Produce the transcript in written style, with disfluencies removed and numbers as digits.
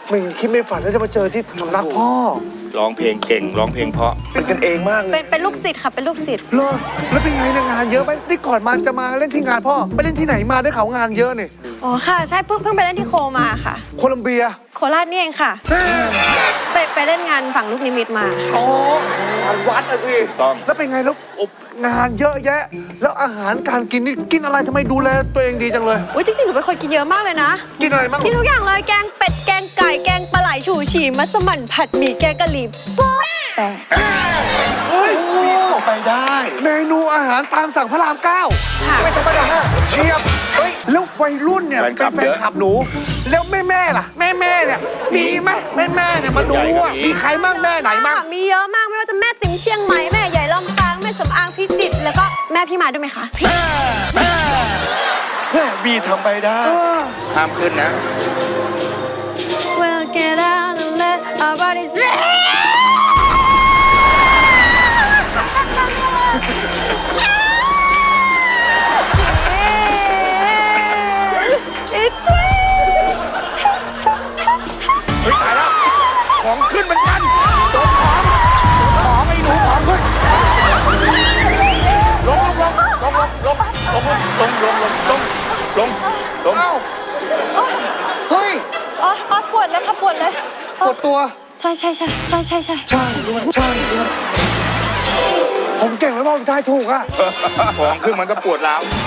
ไม่คิดไม่ฝันว่าจะมาเจอที่สำนักพ่อร้องเพลงเก่งร้องเพลงเพราะเป็นกันเองมากเลยเป็นลูกศิษย์ค่ะเป็นลูกศิษย์เหรอแล้วเป็นไงเนี่ยงานเยอะไหมนี่ก่อนมาจะมาเล่นที่งานพ่อไปเล่นที่ไหนมาได้ข่าวงานเยอะนี่อ๋อค่ะใช่เพิ่งไปเล่นที่โคมาค่ะโคลัมเบียโคราชนี่เองค่ะ ไปเล่นงานฝั่งลูกนิมิตมาค่ะอ๋องานวัดอะสิต้องแล้วเป็นไงแล้วงานเยอะแยะ แล้วอาหารการกินนี่กินอะไรทำไมดูแลตัวเองดีจังเลยอุ้ยจริงๆหนูเป็นคนกินเยอะมากเลยนะกินอะไรบ้างกินทุกอย่างเลยแกงเป็ดแกงไก่แกงปลาไหลฉู่ฉี่มัสมั่นผัดหมี่แกงกะหรี่โป๊ะแต่เฮ้ยไปได้เมนูอาหารตามสั่งพระรามเก้าค่ะไม่ธรรมดาเชียบเฮ้ยแล้ววัยรุ่นเนี่ยเป็นแฟนคลับหนู แล้วแม่ล่ะแม่เนี่ยมีไหมแม่เนี่ยมาดูอ่ะมีใครบ้างแม่ไหนบ้างมีเยอะมากไม่ว่าจะแม่ติ๋มเชียงใหม่แม่ใหญ่ลำปางแม่สำอางพิจิตรแล้วก็แม่พี่มาด้วยไหมคะแม่บีทำไปได้ห้ามขึ้นนะ Well get out and let our bodies It's เฮ้ยตายแล้วของขึ้นเหมือนกันของไอ้หนูของขึ้นลงเอ้าเฮ้ยอ๋อปวดเลยค่ะปวดเลยปวดตัวใช่ใช่ผมเก่งแล้วบอกทายถูกอ่ะของขึ้นมันก็ปวดร้าว